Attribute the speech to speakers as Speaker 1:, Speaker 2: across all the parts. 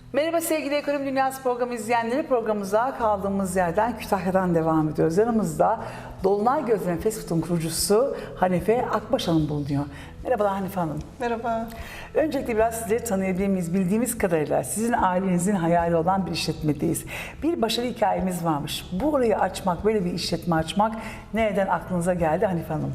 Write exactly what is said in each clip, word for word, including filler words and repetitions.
Speaker 1: Merhaba sevgili Ekonomi Dünyası programı izleyenleri, programımıza kaldığımız yerden Kütahya'dan devam ediyoruz. Yanımızda Dolunay Gözleme Fast Food'un kurucusu Hanife Akbaş Hanım bulunuyor. Merhabalar Hanife Hanım.
Speaker 2: Merhaba.
Speaker 1: Öncelikle biraz sizleri tanıyabilir miyiz? Bildiğimiz kadarıyla sizin ailenizin hayali olan bir işletmedeyiz. Bir başarı hikayemiz varmış. Bu orayı açmak, böyle bir işletme açmak nereden aklınıza geldi Hanife Hanım?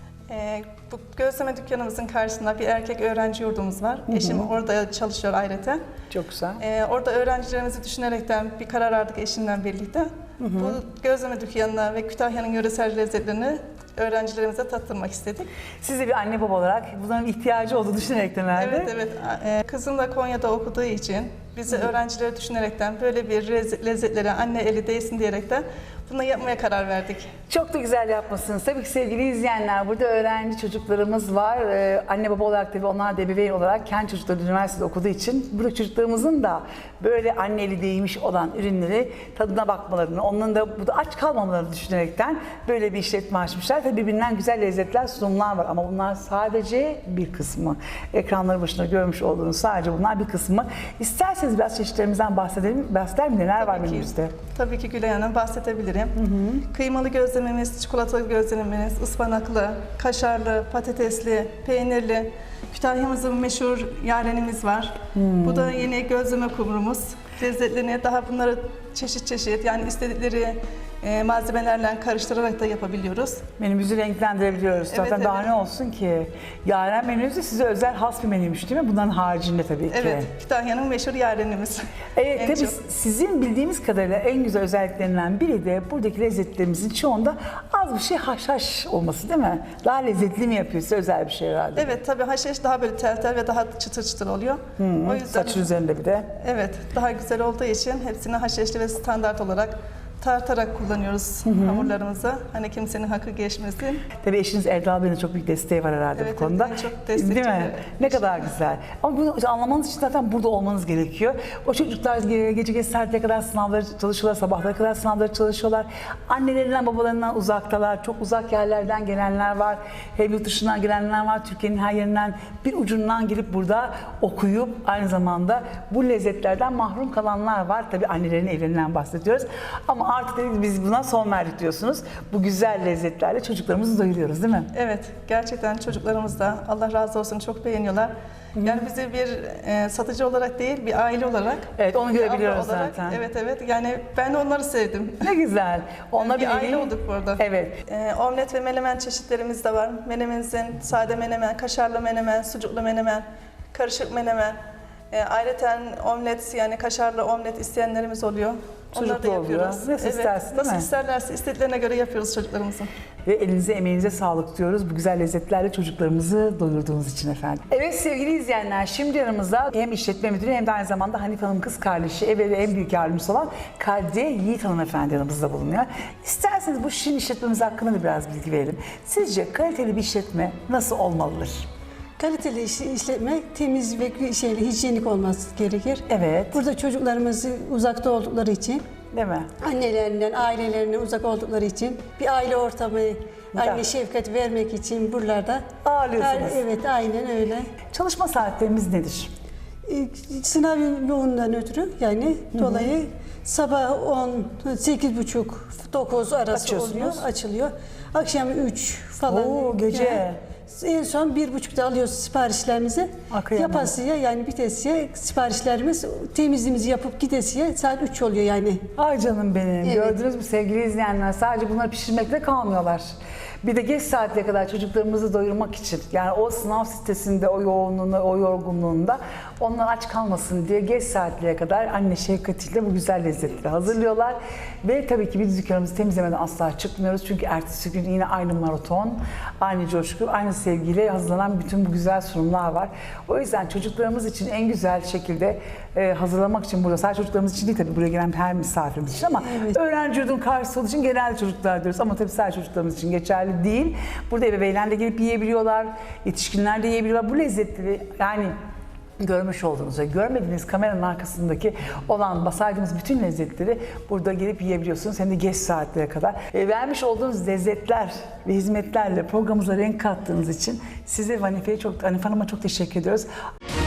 Speaker 2: Ee, bu gözleme dükkanımızın karşısında bir erkek öğrenci yurdumuz var. Hı hı. Eşim orada çalışıyor ayrıca.
Speaker 1: Çok güzel.
Speaker 2: Ee, orada öğrencilerimizi düşünerekten bir karar aldık eşimle birlikte. Hı hı. Bu gözleme dükkanına ve Kütahya'nın yöresel lezzetlerini öğrencilerimize tattırmak istedik.
Speaker 1: Siz de bir anne baba olarak bunların ihtiyacı olduğunu düşünerekten herhalde.
Speaker 2: Evet, evet. Ee, kızım da Konya'da okuduğu için bizi öğrencileri düşünerekten böyle bir lezzetlere anne eli değsin diyerekten bunu yapmaya karar verdik.
Speaker 1: Çok da güzel yapmışsınız. Tabii ki sevgili izleyenler, burada öğrenci çocuklarımız var. Ee, anne baba olarak tabii onlar da ebeveyn olarak kendi çocukları üniversitede okuduğu için burada çocuklarımızın da böyle anne eli değmiş olan ürünleri tadına bakmalarını, onların da burada aç kalmamalarını düşünerekten böyle bir işletme açmışlar. Tabii birbirinden güzel lezzetler, sunumlar var ama bunlar sadece bir kısmı. Ekranları başında görmüş olduğunuz sadece bunlar bir kısmı. İsterseniz biraz çeşitlerimizden bahsedelim. Bahseder mi? Neler var menümüzde?
Speaker 2: Tabii ki Gülay Hanım, bahsedebilirim. Hı hı. Kıymalı gözlememiz, çikolatalı gözlememiz, ıspanaklı, kaşarlı, patatesli, peynirli. Kütahya'mızın meşhur yarenimiz var. Hmm. Bu da yine gözleme kumrumuz. Lezzetlerini daha bunları çeşit çeşit yani istedikleri e, malzemelerle karıştırarak da yapabiliyoruz.
Speaker 1: Menümüzü renklendirebiliyoruz. Zaten
Speaker 2: evet,
Speaker 1: daha
Speaker 2: evet.
Speaker 1: ne olsun ki? Yaren menümüz de size özel has bir menüymüş değil mi? Bunların haricinde tabii ki.
Speaker 2: Evet, Kütahya'nın meşhur yarenimiz.
Speaker 1: Evet, tabii çok. Sizin bildiğimiz kadarıyla en güzel özelliklerinden biri de buradaki lezzetlerimizin çoğunda az bir şey haşhaş olması değil mi? Daha lezzetli mi yapıyor? Size özel bir şey herhalde.
Speaker 2: Evet, tabii haşhaş daha böyle tel tel ve daha çıtır çıtır oluyor.
Speaker 1: Hmm, o yüzden saçın üzerinde bir de. Evet,
Speaker 2: daha güzel olduğu için hepsini haşhaşlı ve standart olarak tartarak kullanıyoruz hı hı. hamurlarımızı. Hani kimsenin hakkı geçmesin.
Speaker 1: Tabii eşiniz Erdal Bey'in çok büyük desteği var herhalde
Speaker 2: evet,
Speaker 1: bu konuda.
Speaker 2: Evet, çok destekçi.
Speaker 1: Değil mi? Ne kadar güzel. Ama bunu anlamanız için zaten burada olmanız gerekiyor. O çocuklar gece geç saatlere kadar sınavları çalışıyorlar, sabahlara kadar sınavları çalışıyorlar. Annelerinden, babalarından uzaktalar. Çok uzak yerlerden gelenler var. Hem yurt dışından gelenler var. Türkiye'nin her yerinden bir ucundan girip burada okuyup aynı zamanda bu lezzetlerden mahrum kalanlar var. Tabii annelerin evlerinden bahsediyoruz. Ama artık biz buna son verdik diyorsunuz. Bu güzel lezzetlerle çocuklarımızı doyuruyoruz değil mi?
Speaker 2: Evet. Gerçekten çocuklarımız da Allah razı olsun çok beğeniyorlar. Hı-hı. Yani bizi bir e, satıcı olarak değil, bir aile olarak.
Speaker 1: Evet, onu görebiliyoruz
Speaker 2: olarak,
Speaker 1: zaten.
Speaker 2: Evet, evet. Yani ben de onları sevdim.
Speaker 1: Ne güzel.
Speaker 2: Onlar yani bir aile olduk burada.
Speaker 1: Evet.
Speaker 2: E, omlet ve menemen çeşitlerimiz de var. Menemenimizin sade menemen, kaşarlı menemen, sucuklu menemen, karışık menemen. E, ayrıca omlet yani kaşarlı omlet isteyenlerimiz oluyor. Onları da yapıyoruz.
Speaker 1: Nasıl
Speaker 2: evet,
Speaker 1: istersin değil
Speaker 2: nasıl
Speaker 1: mi?
Speaker 2: isterlerse istediklerine göre yapıyoruz çocuklarımızın.
Speaker 1: Ve elinize emeğinize sağlık diyoruz. Bu güzel lezzetlerle çocuklarımızı doyurduğunuz için efendim. Evet sevgili izleyenler, şimdi yanımızda hem işletme müdürü hem de aynı zamanda Hanife Hanım kız kardeşi, ev ve en büyük yardımcısı olan Kadriye Yiğit Hanımefendi yanımızda bulunuyor. İsterseniz bu şirin işletmemiz hakkında da biraz bilgi verelim. Sizce kaliteli bir işletme nasıl olmalıdır?
Speaker 3: Kaliteli işletme temiz ve şeyli, hijyenik olması gerekir.
Speaker 1: Evet.
Speaker 3: Burada çocuklarımız uzakta oldukları için,
Speaker 1: değil mi?
Speaker 3: Annelerinden, ailelerinden uzak oldukları için bir aile ortamı, anne şefkat vermek için buralarda
Speaker 1: ağırlıyorsunuz.
Speaker 3: Evet, aynen öyle.
Speaker 1: Çalışma saatlerimiz nedir?
Speaker 3: Sınav yoğunluğundan ötürü yani Hı-hı. dolayı sabah on, sekiz buçuk, dokuz arası oluyor, açılıyor. Akşam üç falan.
Speaker 1: Oo, gece.
Speaker 3: Yani, en son bir buçukta alıyoruz siparişlerimizi.
Speaker 1: Akıyamam.
Speaker 3: Yapasıya yani bitesiye siparişlerimiz temizliğimizi yapıp gidesiye saat üç oluyor yani.
Speaker 1: Ay canım benim. Evet. Gördünüz mü sevgili izleyenler? Sadece bunları pişirmekle kalmıyorlar. Bir de geç saatlere kadar çocuklarımızı doyurmak için yani o sınav sitesinde o yoğunluğunda, o yorgunluğunda onlar aç kalmasın diye geç saatlere kadar anne şefkatiyle bu güzel lezzetleri hazırlıyorlar. Ve tabii ki biz dükkanımızı temizlemeden asla çıkmıyoruz. Çünkü ertesi gün yine aynı maraton, aynı coşku, aynı sevgiyle hazırlanan bütün bu güzel sunumlar var. O yüzden çocuklarımız için en güzel şekilde e, hazırlamak için burada, sadece çocuklarımız için değil tabii buraya gelen her misafirimiz için ama evet. öğrenci yurdunun karşısı olduğu için genelde çocuklar diyoruz ama tabii sadece çocuklarımız için geçerli değil. Burada ebeveynler de gelip yiyebiliyorlar, yetişkinler de yiyebiliyorlar. Bu lezzetleri yani görmüş olduğunuz ve görmediğiniz kameranın arkasındaki olan saydığımız bütün lezzetleri burada gelip yiyebiliyorsunuz. Hem de geç saatlere kadar. E, vermiş olduğunuz lezzetler ve hizmetlerle programımıza renk kattığınız için size Hanife'ye çok, Hanife Hanım'a çok teşekkür ediyoruz.